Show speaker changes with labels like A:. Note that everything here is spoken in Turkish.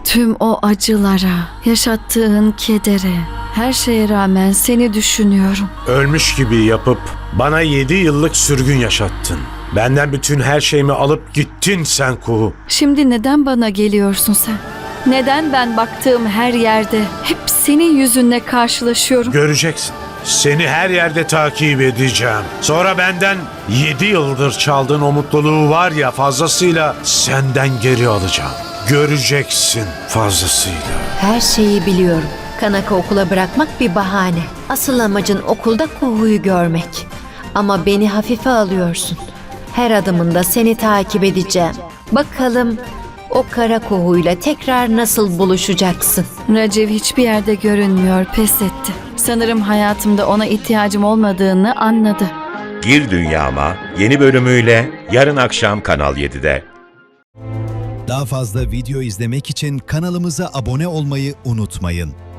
A: Tüm o acılara, yaşattığın kedere, her şeye rağmen seni düşünüyorum.
B: Ölmüş gibi yapıp bana 7 yıllık sürgün yaşattın. Benden bütün her şeyimi alıp gittin sen Kuhu.
A: Şimdi neden bana geliyorsun sen? Neden ben baktığım her yerde hep senin yüzünle karşılaşıyorum?
B: Göreceksin. Seni her yerde takip edeceğim. Sonra benden 7 yıldır çaldığın o mutluluğu var ya fazlasıyla senden geri alacağım. Göreceksin fazlasıyla.
C: Her şeyi biliyorum. Kanaka okula bırakmak bir bahane. Asıl amacın okulda Kuhu'yu görmek. Ama beni hafife alıyorsun. Her adımında seni takip edeceğim. Bakalım o kara Kuhu'yla tekrar nasıl buluşacaksın?
A: Raciv hiçbir yerde görünmüyor, pes etti. Sanırım hayatımda ona ihtiyacım olmadığını anladı.
D: Gir Dünyama yeni bölümüyle yarın akşam Kanal 7'de.
E: Daha fazla video izlemek için kanalımıza abone olmayı unutmayın.